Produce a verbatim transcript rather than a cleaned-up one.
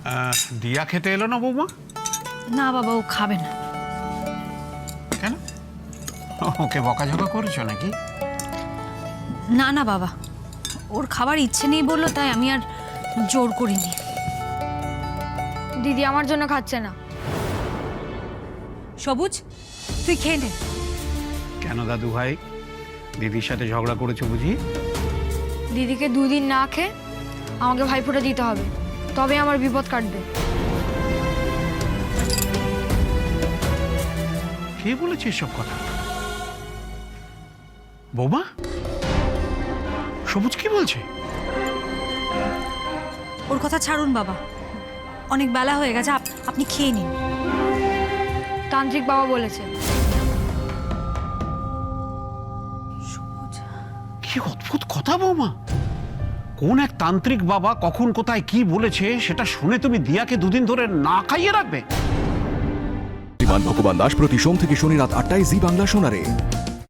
দিয়া খেতে এলো না বৌমা? না বাবা, ও খাবে না। কেন? ওকে বকাঝকা করেছো নাকি? না না বাবা, ওর খাবার ইচ্ছে নেই বললো, তাই আমি আর জোর করিনি। দিদি আমার জন্য খাচ্ছে না। সবুজ, তুই খেয়ে নে। কেন দাদু ভাই, দিদির সাথে ঝগড়া করেছো বুঝি? দিদিকে দুদিন না খেয়ে আমাকে ভাইফোঁটা দিতে হবে, তবে আমার বিপদ কাটবে। কে বলেছে এসব কথা? বৌমা, সবুজ কি বলছে? ওর কথা ছাড়ুন বাবা, অনেক বেলা হয়ে গেছে, আপ- আপনি খেয়ে নিন। তান্ত্রিক বাবা বলেছে। কি অদ্ভুত কথা বৌমা! কোন এক তান্ত্রিক বাবা কখন কোথায় কি বলেছে সেটা শুনে তুমি দিয়াকে দুদিন ধরে না খাইয়ে রাখবে? বিমান ভগবান দাস প্রতি সোম থেকে শনি রাত আটটায় জি বাংলা শোনারে।